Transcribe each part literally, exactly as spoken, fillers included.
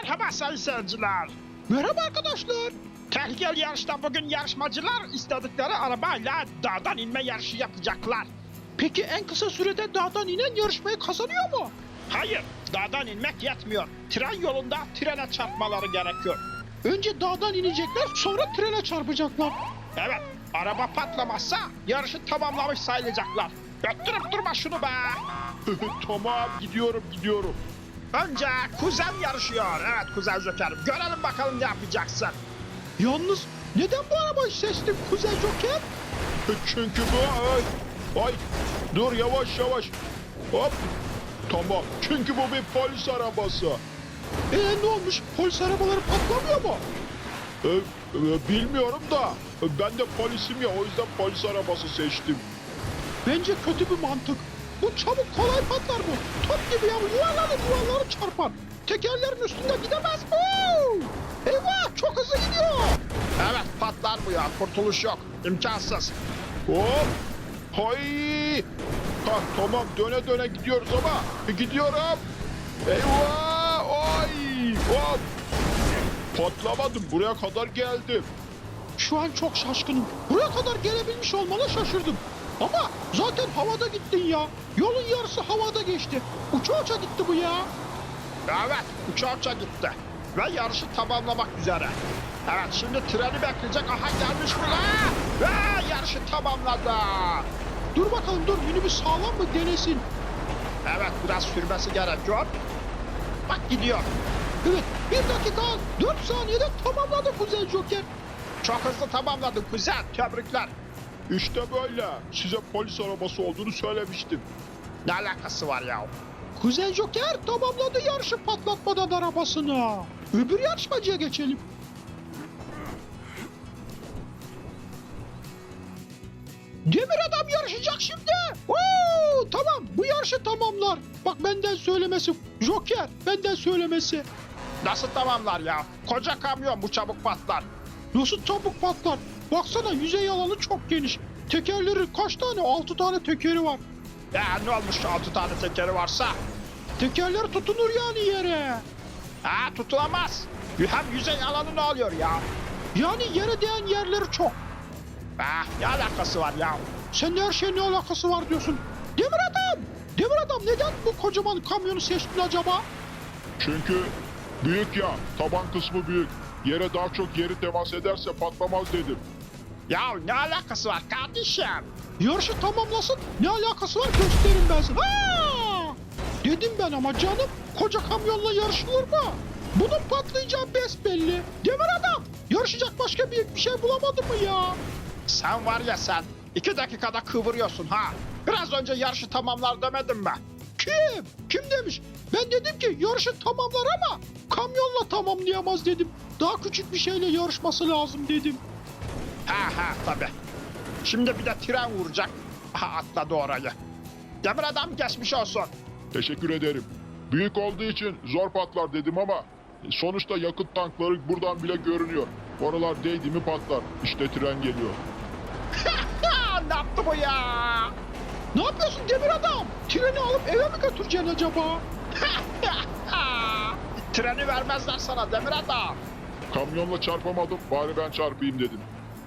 Merhaba sayın seyirciler. Merhaba arkadaşlar. Tehlikeli yarışta bugün yarışmacılar istedikleri arabayla dağdan inme yarışı yapacaklar. Peki en kısa sürede dağdan inen yarışmayı kazanıyor mu? Hayır, dağdan inmek yetmiyor. Tren yolunda trene çarpmaları gerekiyor. Önce dağdan inecekler, sonra trene çarpacaklar. Evet, araba patlamazsa yarışı tamamlamış sayılacaklar. Öttürüp durma şunu be. Tamam, gidiyorum gidiyorum. Önce kuzen yarışıyor. Evet kuzen Joker'im. Görelim bakalım ne yapacaksın. Yalnız neden bu arabayı seçtin Kuzey Joker? Çünkü bu... Ay, ay. Dur yavaş yavaş. Hop. Tamam. Çünkü bu bir polis arabası. Ee ne olmuş? Polis arabaları patlamıyor mu? Ee, e, bilmiyorum da ben de polisim ya, o yüzden polis arabası seçtim. Bence kötü bir mantık. Bu çabuk kolay patlar bu. Top gibi ya, yuvarlanır yuvarlanır çarpar. Tekerlerin üstünde gidemez. Oo! Eyvah, çok hızlı gidiyor. Evet patlar bu ya. Kurtuluş yok. İmkansız. Hop. Hay. Ha, tamam, döne döne gidiyoruz ama gidiyorum. Eyvah. Ay. Hop. Patlamadım, buraya kadar geldim. Şu an çok şaşkınım. Buraya kadar gelebilmiş olmana şaşırdım. Ama zaten havada gittin ya. Yolun yarısı havada geçti. Uça uça gitti bu ya. Evet uça uça gitti. Ve yarışı tamamlamak üzere. Evet şimdi treni bekleyecek. Aha gelmiş bile. Ve yarışı tamamladı. Dur bakalım dur, minibüs sağlam mı denesin. Evet biraz sürmesi gerekiyor. Bak gidiyor. Evet, bir dakika dört saniyede tamamladı Kuzey Joker. Çok hızlı tamamladın kuzen. Tebrikler. İşte böyle. Size polis arabası olduğunu söylemiştim. Ne alakası var ya? Kuzey Joker tamamladı yarışı patlatmadan arabasını. Öbür yarışmacıya geçelim. Demir Adam yarışacak şimdi. Oo, tamam, bu yarışı tamamlar. Bak benden söylemesi. Joker benden söylemesi. Nasıl tamamlar ya? Koca kamyon bu çabuk patlar. Nasıl çabuk patlar? Baksana, yüzey alanı çok geniş. Tekerleri kaç tane? Altı tane tekeri var. Ya ne olmuş altı tane tekeri varsa? Tekerler tutunur yani yere. Ha tutulamaz. Hem yüzey alanı ne oluyor ya? Yani yere değen yerleri çok. Ah ne alakası var ya? Sen de her şeyin ne alakası var diyorsun. Demir Adam! Demir Adam, neden bu kocaman kamyonu seçtin acaba? Çünkü büyük ya, taban kısmı büyük. Yere daha çok yeri temas ederse patlamaz dedim. Ya ne alakası var kardeşim? Yarışı tamamlasın, ne alakası var gösteririm ben sana. Aa! Dedim ben ama canım, koca kamyonla yarışılır mı? Bunun patlayacağı besbelli. Demir Adam, yarışacak başka büyük bir şey bulamadın mı ya? Sen var ya sen iki dakikada kıvırıyorsun ha. Biraz önce yarışı tamamlar demedim mi? Kim? Kim demiş? Ben dedim ki yarışı tamamlar ama kamyonla tamamlayamaz dedim. Daha küçük bir şeyle yarışması lazım dedim. Ha ha tabi. Şimdi bir de tren vuracak. Aha atladı orayı. Demir adam geçmiş olsun. Teşekkür ederim. Büyük olduğu için zor patlar dedim ama sonuçta yakıt tankları buradan bile görünüyor. Oralar değdi mi patlar. İşte tren geliyor. Ha, ne yaptı bu ya? Ne yapıyorsun Demir Adam? Treni alıp eve mi götüreceksin acaba? Treni vermezler sana Demir adam. Kamyonla çarpamadım, bari ben çarpayım dedim.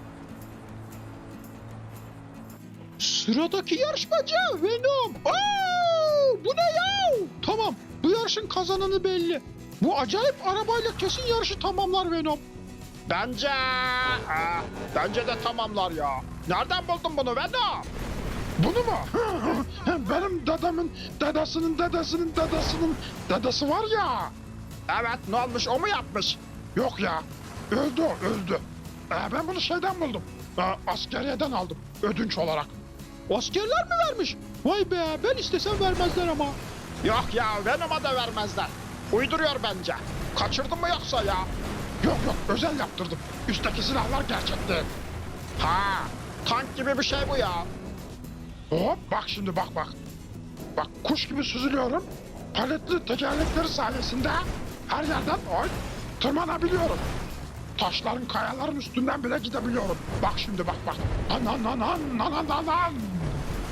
Sıradaki yarışmacı Venom. Oo, bu ne ya? Tamam, bu yarışın kazananı belli. Bu acayip arabayla kesin yarışı tamamlar Venom. Bence... Aa, bence de tamamlar ya. Nereden buldun bunu Venom? Bunu mu? Benim dedemin dedesinin dedesinin dedesinin dedesi var ya. Evet ne olmuş o mu yapmış? Yok ya, öldü o, öldü. Ee, ben bunu şeyden buldum. Ee, askeriyeden aldım ödünç olarak. Askerler mi vermiş? Vay be, ben istesem vermezler ama. Yok ya Venom'a da vermezler. Uyduruyor bence. Kaçırdın mı yoksa ya? Yok yok, özel yaptırdım. Üstteki silahlar gerçekti. Ha, tank gibi bir şey bu ya. Hop bak şimdi, bak bak. Bak kuş gibi süzülüyorum. Paletli tekerlekleri sayesinde her yerden oy tırmanabiliyorum. Taşların, kayaların üstünden bile gidebiliyorum. Bak şimdi, bak bak. Anan anan anan anan.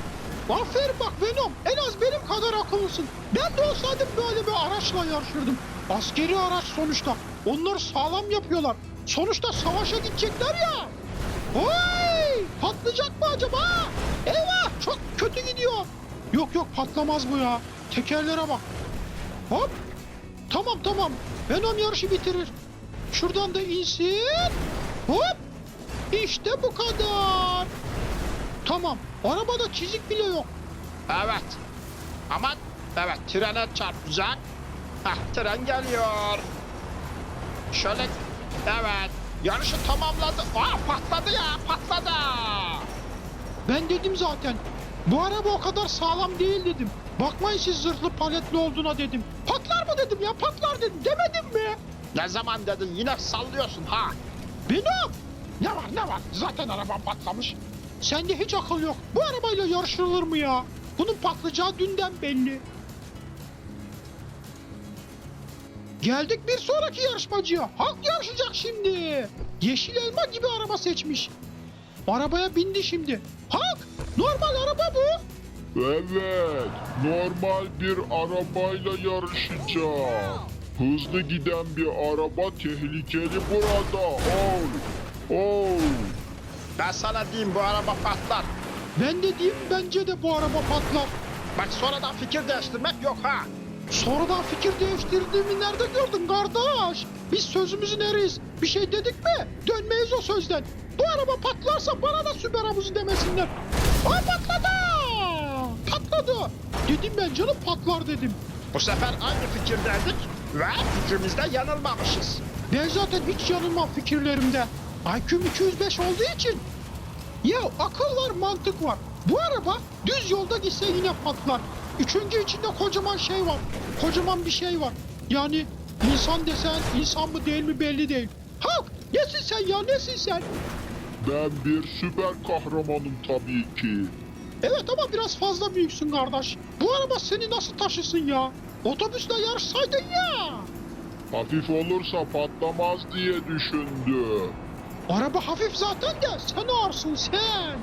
Aferin bak Venom. En az benim kadar akıllısın. Ben de olsaydım böyle bir araçla yarışırdım. Askeri araç sonuçta. Onlar sağlam yapıyorlar. Sonuçta savaşa gidecekler ya. Oy! Patlayacak mı acaba? Eyvah! Çok kötü gidiyor. Yok yok patlamaz bu ya. Tekerlere bak. Hop! Tamam tamam. Venom yarışı bitirir. Şuradan da insin. Hop! İşte bu kadar. Tamam. Arabada çizik bile yok. Evet. Aman evet trene çarpacak. Hah tren geliyor. Şöyle evet yarışı tamamladı. Aa patladı ya patladı. Ben dedim zaten. Bu araba o kadar sağlam değil dedim. Bakmayın siz zırhlı paletli olduğuna dedim. Patlar mı dedim ya patlar dedim demedim mi? Ne zaman dedin yine sallıyorsun ha. Benim. Ne var ne var zaten arabam patlamış. Sende hiç akıl yok. Bu arabayla yarışılır mı ya? Bunun patlayacağı dünden belli. Geldik bir sonraki yarışmacıya. Halk yarışacak şimdi. Yeşil elma gibi araba seçmiş. Arabaya bindi şimdi. Halk normal araba bu. Evet, normal bir arabayla yarışacağım. Hızlı giden bir araba tehlikeli burada. Oh, oh. Ben sana diyeyim bu araba patlar. Ben de diyeyim bence de bu araba patlar. Bak sonradan fikir değiştirmek yok ha. Sonradan fikir değiştirdiğimi nerede gördün kardeş? Biz sözümüzün eriyiz. Bir şey dedik mi? Dönmeyiz o sözden. Bu araba patlarsa bana da süper havuzu demesinler. Aa patladı! Patladı! Dedim ben canım patlar dedim. Bu sefer aynı fikirdeydik ve fikrimizde yanılmamışız. Ben zaten hiç yanılmam fikirlerimde. I Q'm iki yüz beş olduğu için. Ya akıl var mantık var. Bu araba düz yolda gitse yine patlar. Üçüncü içinde kocaman şey var. Kocaman bir şey var. Yani insan desen insan mı değil mi belli değil. Halk nesin sen ya nesin sen? Ben bir süper kahramanım tabii ki. Evet ama biraz fazla büyüksün kardeş. Bu araba seni nasıl taşısın ya? Otobüsle yarışsaydın ya. Hafif olursa patlamaz diye düşündüm. Araba hafif zaten de sen ağırsın sen.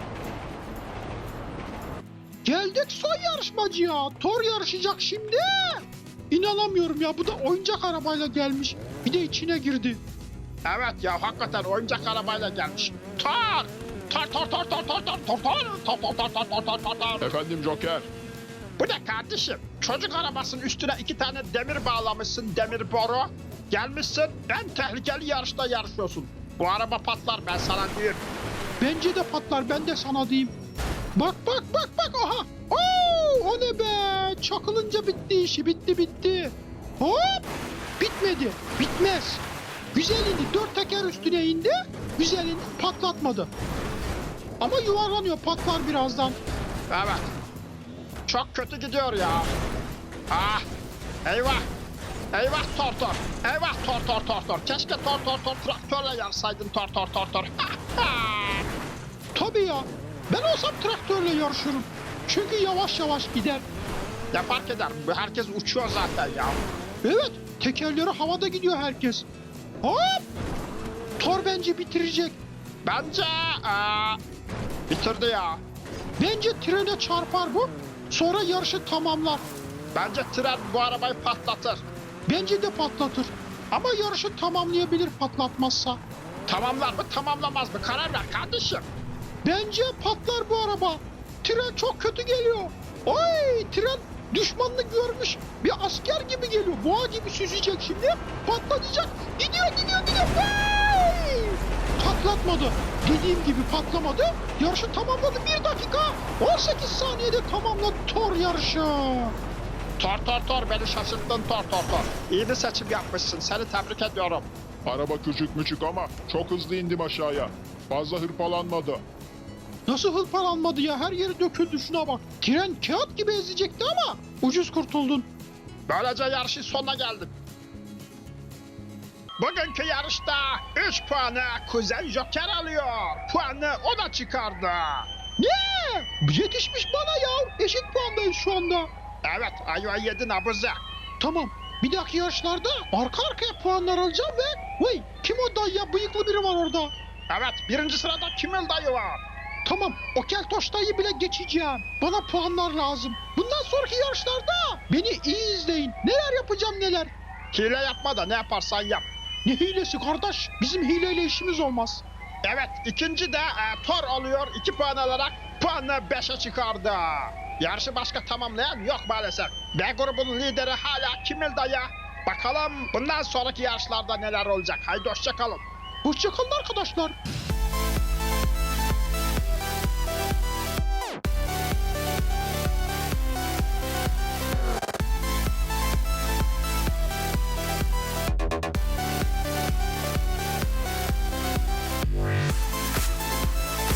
Geldik son yarışmacıya. Thor yarışacak şimdi. İnanamıyorum ya bu da oyuncak arabayla gelmiş. Bir de içine girdi. Evet ya hakikaten oyuncak arabayla gelmiş. Tor! Tor tor tor tor tor tor tor tor tor tor tor tor tor tor tor tor. Efendim Joker, Bu ne kardeşim? Çocuk arabasının üstüne iki tane demir bağlamışsın demir boru. Gelmişsin en tehlikeli yarışta yarışıyorsun. Bu araba patlar ben sana diyeyim. Bence de patlar ben de sana diyeyim. Bak bak bak bak aha. Oo, o ne be? Çakılınca bitti işi bitti bitti. Hop! Bitmedi. Bitmez. Güzelini dört teker üstüne indi. Güzelini patlatmadı. Ama yuvarlanıyor patlar birazdan. Evet. Çok kötü gidiyor ya. Ah! Eyvah! Eyvah tor tor! Eyvah tor tor tor tor! Keşke tor tor tor traktörle yarsaydın tor tor tor tor! Tabii ya. Ben olsam traktörle yarışırım. Çünkü yavaş yavaş gider. Ne fark eder? Bu herkes uçuyor zaten ya. Evet, tekerleri havada gidiyor herkes. Hop! Thor bence bitirecek. Bence aa, bitirdi ya. Bence trene çarpar bu. Sonra yarışı tamamlar. Bence tren bu arabayı patlatır. Bence de patlatır. Ama yarışı tamamlayabilir patlatmazsa. Tamamlar mı tamamlamaz mı? Karar ver kardeşim. Bence patlar bu araba. Tren çok kötü geliyor. Oy tren düşmanını görmüş. Bir asker gibi geliyor. Boğa gibi süzecek şimdi. Patlatacak. Gidiyor gidiyor gidiyor. Oy! Patlatmadı. Dediğim gibi patlamadı. Yarışı tamamladı. Bir dakika on sekiz saniyede tamamladı Thor yarışı. Tor tor tor beni şaşırttın tor tor tor. İyi bir seçim yapmışsın. Seni tebrik ediyorum. araba küçük müçük ama çok hızlı indim aşağıya. Fazla hırpalanmadı. Nasıl hırpalanmadı ya? Her yeri döküldü şuna bak. Tren kağıt gibi ezecekti ama ucuz kurtuldun. Böylece yarışın sonuna geldik. Bugünkü yarışta üç puanı Kuzen Joker alıyor. Puanı o da çıkardı. Ne? Yetişmiş bana ya. Eşit puandayız şu anda. Evet ayva yedin abuze. Tamam. Bir dahaki yarışlarda arka arkaya puanlar alacağım ve... Vay kim o dayı ya? Bıyıklı biri var orada. Evet birinci sırada Kimil dayı var. Tamam, o keltoştayı bile geçeceğim. Bana puanlar lazım. Bundan sonraki yarışlarda beni iyi izleyin. Neler yapacağım neler. Hile yapma da ne yaparsan yap. Ne hilesi kardeş? Bizim hileyle işimiz olmaz. Evet, ikinci de e, Thor oluyor. iki puan alarak puanı beşe çıkardı. Yarışı başka tamamlayan yok maalesef. B grubunun lideri hala Kimil dayı. Bakalım bundan sonraki yarışlarda neler olacak. Haydi hoşça kalın. Hoşçakalın arkadaşlar.